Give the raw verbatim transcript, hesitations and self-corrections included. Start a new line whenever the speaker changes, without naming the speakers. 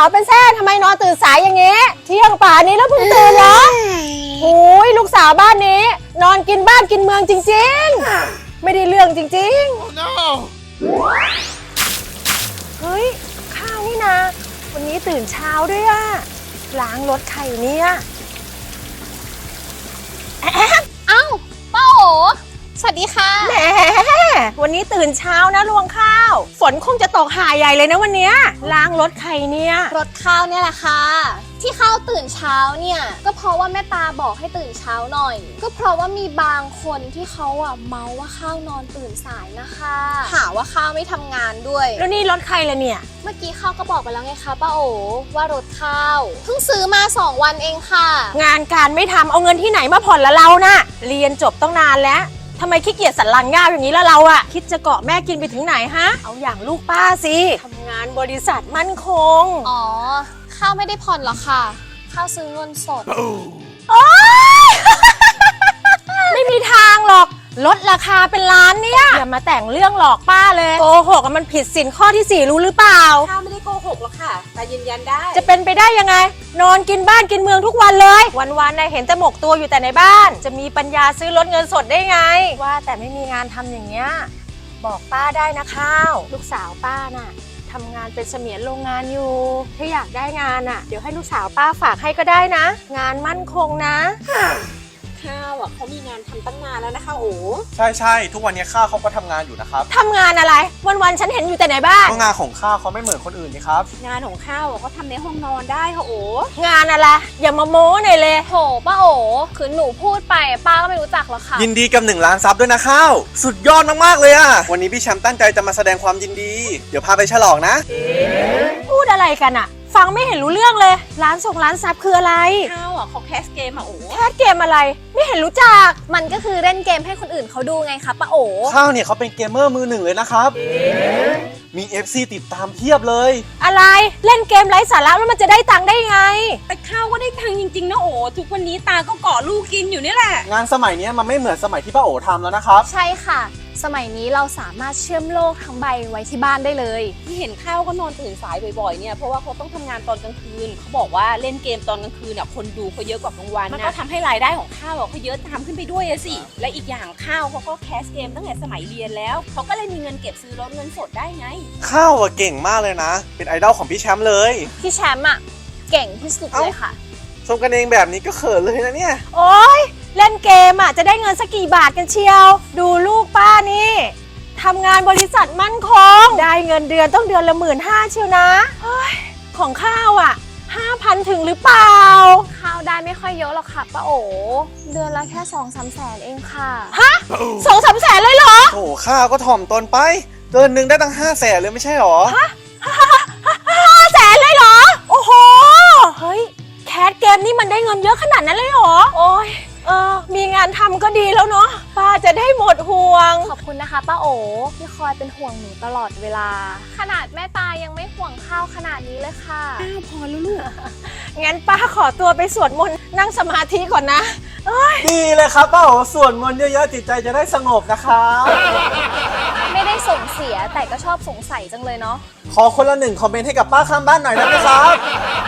เป็นแซ่ทำไมนอนตื่นสายอย่างงี้เที่ยงป่านนี้แล้วเพิ่งตื่นเหรอโอ้ยลูกสาวบ้านนี้นอนกินบ้านกินเมืองจริงๆไม่ได้เรื่องจริงๆ oh, no. เฮ้ยข้าวนี่นะวันนี้ตื่นเช้าด้วยอะล้างรถไข่เนี่ย
เอ้าป้าโอสวัสดีค่ะ
แหมวันนี้ตื่นเช้านะรวงข้าวฝนคงจะตกหาใหญ่เลยนะวันนี้ล้างรถไข่เนี่ย
รถข้าวเนี่ยแหละค่ะที่ข้าวตื่นเช้าเนี่ยก็เพราะว่าแม่ตาบอกให้ตื่นเช้าหน่อยก็เพราะว่ามีบางคนที่เขาอ่ะเมาว่าข้าวนอนตื่นสายนะคะหาว่าข้าวไม่ทำงานด้วย
แล้วนี่รถใครล่ะเนี่ย
เมื่อกี้ข้าวก็บอกไปแล้วไงคะป้าโอว่ารถข้าวเพิ่งซื้อมาสองวันเองค่ะ
งานการไม่ทำเอาเงินที่ไหนมาผ่อนละเราน่ะเรียนจบต้องนานแล้วทำไมขี้เกียจสันหลังยาวอย่างนี้ละเราอะคิดจะเกาะแม่กินไปถึงไหนฮะเอาอย่างลูกป้าสิทำงานบริษัทมั่นคง
อ๋อข้าวไม่ได้ผ่อนหรอกค่ะข้าวซื้อเงินสด
โอ๊ย ไม่มีทางหรอกลดราคาเป็นล้านเนี่ยอย่ามาแต่งเรื่องหลอกป้าเลยโกหกมันผิดสินข้อที่สี่รู้หรือเปล่า
ข้าวไม่ได้โกหกหรอกค่ะแต่ยืนยันได้
จะเป็นไปได้ยังไงนอนกินบ้านกินเมืองทุกวันเลยวันๆนายเห็นแต่หมกตัวอยู่แต่ในบ้านจะมีปัญญาซื้อรถเงินสดได้ไงว่าแต่ไม่มีงานทำอย่างเงี้ยบอกป้าได้นะข้าวลูกสาวป้าน่ะทำงานเป็นเสมียนโรงงานอยู่ถ้าอยากได้งานอ่ะเดี๋ยวให้ลูกสาวป้าฝากให้ก็ได้นะงานมั่นคงนะ
ข้าวอ่ะเขามีงานทำตั้งนานแล้วนะคะโอ้
ใช่ใช่ทุกวันนี้ข้าวเขาก็ทำงานอยู่นะครับ
ทำงานอะไรวันๆฉันเห็นอยู่แต่ในบ้าน
งานของข้าวเขาไม่เหมือนคนอื่นนี่ครับ
งานของข้าวเขาทำในห้องนอนได้ค่ะโอ้
งานอะไรอย่ามาโม้หน่อยเลย
โหป้าโอคือหนูพูดไปป้าก็ไม่รู้จักหรอกค่ะ
ยินดีกับหนึ่งล้านซับด้วยนะข้าวสุดยอดมากๆเลยอะวันนี้พี่แชมป์ตั้งใจจะมาแสดงความยินดีเดี๋ยวพาไปฉลองนะ
พูดอะไรกันอะฟังไม่เห็นรู้เรื่องเลยร้านส่งร้านซับคืออะไร
ข้าวอ่ะเขาแคสเกมอ่ะโอ้
แคสเกมอะไรไม่เห็นรู้จัก
มันก็คือเล่นเกมให้คนอื่นเขาดูไงคะป้าโอ
ข้าวเนี่ยเขาเป็นเกมเมอร์มือหนึ่งเลยนะครับมี เอฟ ซี ติดตามเพียบเลย
อะไรเล่นเกมไร้สาระแล้วมันจะได้ตังค์ได้ไง
แต่ข้าวก็ได้ตังค์จริงๆนะโอ้ทุกวันนี้ตาก็เกาะลูกกินอยู่นี่แหละ
งานสมัยนี้มันไม่เหมือนสมัยที่ป้าโอทำแล้วนะครับ
ใช่ค่ะสมัยนี้เราสามารถเชื่อมโลกทั้งใบไว้ที่บ้านได้เลย
ที่เห็นข้าวก็นอนตื่นสายบ่อยๆเนี่ยเพราะว่าเขาต้องทำงานตอนกลางคืนเขาบอกว่าเล่นเกมตอนกลางคืนเนี่ยคนดูเขาเยอะกว่ากลางวันมันก็ทำให้รายได้ของข้าวเขาเยอะตามขึ้นไปด้วยสิและอีกอย่างข้าวเขาก็แคสเกมตั้งแต่สมัยเรียนแล้วเขาก็เลยมีเงินเก็บซื้อรถเงินสดได้ไง
ข้าวอะเก่งมากเลยนะเป็นไอดอลของพี่แชมป์เลย
พี่แชมป์อะเก่งที่สุดเลยค่ะ
ชมกันเองแบบนี้ก็เขินเลยนะเนี่ย
โอ๊ยเล่นเกมอะจะได้เงินสักกี่บาทกันเชียวดูลูกป้านี่ทำงานบริษัทมั่นคงได้เงินเดือนต้องเดือนละหมื่นห้าเชียวนะเฮ้ยของข้าวอ่ะห้าพันถึงหรือเปล่า
ข้าวได้ไม่ค่อยเยอะหรอกค่ะป้าโอเดือนละแค่สองสามแสนเองค่ะ
ฮะสองสามแสนเลยเหรอ
โอ้ข้าวก็ถ่อมตนไปเดือนหนึ่งได้ตั้งห้าแสนเลยไม่ใช่หรอ
ฮะห้าแสนเลยเหรอโอ้โหเฮ้ยแคสเกมนี่มันได้เงินเยอะขนาดนั้นเลยเหรอโอ้ยเออมีงานทำก็ดีแล้วเนาะป้าจะได้หมดห่วง
ขอบคุณนะคะป้าโอที่คอยเป็นห่วงหนูตลอดเวลาขนาดแม่ตายังไม่ห่วงข้าวขนาดนี้เลยค่ะ
อ้าวพอแล้วลูก
งั้นป้าขอตัวไปสวดมนต์นั่งสมาธิก่อนนะ
ดีเลยครับป้าโอสวดมนต์เยอะๆจิตใจจะได้สงบนะครับ
ไม่ได้ส่งเสียแต่ก็ชอบสงสัยจังเลยเนาะ
ขอคนละหนึ่งคอมเมนต์ให้กับป้าข้างบ้านหน่อยได้ไหมครับ